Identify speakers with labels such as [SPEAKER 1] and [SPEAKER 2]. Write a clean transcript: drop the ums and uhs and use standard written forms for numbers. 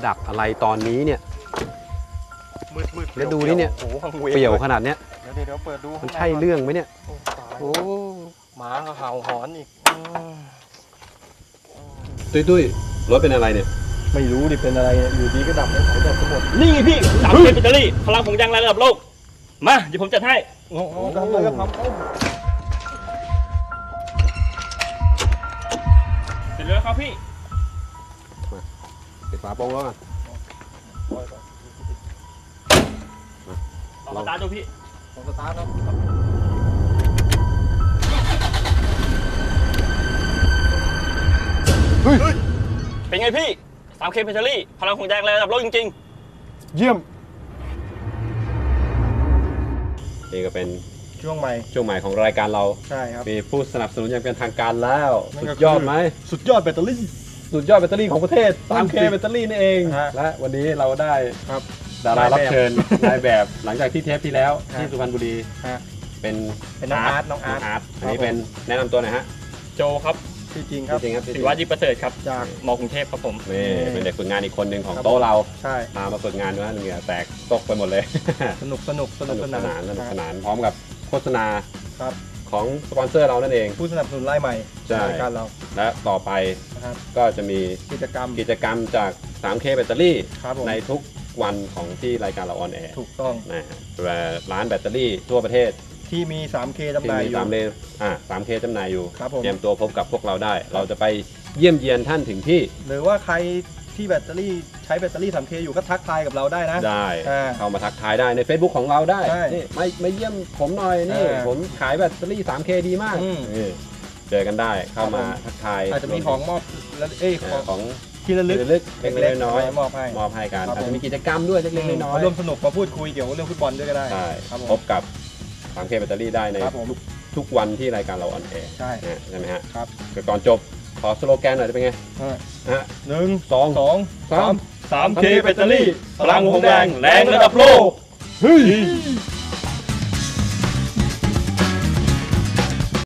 [SPEAKER 1] ดับอะไรตอนนี้เนี่ย
[SPEAKER 2] มืด
[SPEAKER 1] แล้วดูนี่เนี่ยเปี่ยวขนาดเนี้ย
[SPEAKER 2] เดี๋ยวเปิดดู
[SPEAKER 1] มันใช่เรื่องไหมเนี่ยโอ้
[SPEAKER 2] หมาก็เห่าหอนอีก
[SPEAKER 1] ตุ้ยรถเป็นอะไรเนี่ย
[SPEAKER 2] ไม่รู้ดิเป็นอะไรอยู่ดีก็ดับแล้วสายดับทั้งหมด
[SPEAKER 3] นี่พี่3K แบตเตอรี่พลังของยางระดับโลกมาเดี๋ยวผมจัดให้
[SPEAKER 2] ทำเลยก็ทำ
[SPEAKER 3] เสร็จแล้วครับพี่
[SPEAKER 1] ปิดฝาโปร่งแล้วกัน
[SPEAKER 3] ลองสตาร์ทดูพี่
[SPEAKER 2] ลองสตาร์ทครับ
[SPEAKER 3] เป็นไงพี่ 3K แบตเตอรี่พลังของยางระดับโลกจริง
[SPEAKER 2] ๆเยี่ยม
[SPEAKER 1] นี่ก็เป็น
[SPEAKER 2] ช่วงใหม่
[SPEAKER 1] ของรายการเรา
[SPEAKER 2] ใช่ครับ
[SPEAKER 1] มีผู้สนับสนุนอย่างเป็นทางการแล้วสุดยอดไหม
[SPEAKER 2] สุดยอดแบตเตอรี่
[SPEAKER 1] ของประเทศ 3K แบตเตอรี่นี่เองและวันนี้เราได้ดารารับเชิญนายแบบหลังจากที่เทปที่แล้วที่สุพรรณบุรีเป็น
[SPEAKER 2] น้องอาร์ต
[SPEAKER 1] อันนี้เป็นแนะนำตัวหน่อยฮะ
[SPEAKER 3] โจครับ
[SPEAKER 2] จริงครับ
[SPEAKER 3] ศิวัตรประเสริฐครับจากม.กรุงเทพครับผม
[SPEAKER 1] นี่เป็นเด็กฝึกงานอีกคนหนึ่งของโต๊ะเราพามาฝึกงานด้วยเหงื่อแตกตกไปหมดเลย
[SPEAKER 2] สนุกสน
[SPEAKER 1] านพร้อมกับโฆษณาของสปอนเซอร์เรานั่นเอง
[SPEAKER 2] ผู้สนับสนุนรายใหม่รายการเรา
[SPEAKER 1] และต่อไปก็จะมี
[SPEAKER 2] กิจกรรม
[SPEAKER 1] จาก 3K แบตเตอรี่ในทุกวันของที่รายการเราออนแอร์
[SPEAKER 2] ถูกต้อง
[SPEAKER 1] นะร้านแบตเตอรี่ทั่วประเทศ
[SPEAKER 2] ที่มี 3K จำหน่ายอยู่
[SPEAKER 1] 3K จำหน่ายอยู่
[SPEAKER 2] เ
[SPEAKER 1] ตรียมตัวพบกับพวกเราได้เราจะไปเยี่ยมเยียนท่านถึงที่
[SPEAKER 2] หรือว่าใครที่แบตเตอรี่ใช้แบตเตอรี่ 3K อยู่ก็ทักทายกับเราได้นะ
[SPEAKER 1] ได้เข้ามาทักทายได้ใน Facebook ของเราได้นี่มาเยี่ยมผมหน่อยนี่ผมขายแบตเตอรี่ 3K ดีมากเจอกันได้เข้ามาทักทาย
[SPEAKER 2] อาจจะมีของมอบ
[SPEAKER 1] ของ
[SPEAKER 2] ที่ระลึกเ
[SPEAKER 1] ล็กๆน้อย
[SPEAKER 2] ๆม
[SPEAKER 1] อบให้กันอาจจะมีกิจกรรมด้วยเล็กๆน้อย
[SPEAKER 2] ๆร่วมสนุกมาพูดคุยเกี่ยวกับเรื่องฟุตบอลด้วยก็ได้
[SPEAKER 1] พบกับ 3K แบตเตอรี่ได้ในทุกวันที่รายการเราออนแอร์ใช่ไหมฮะก่อนจบขอสโลแกนหน่อยจะเป็นไง
[SPEAKER 2] 1 2 3
[SPEAKER 3] 3K แบตเตอรี่พลังของแรงระดับโลก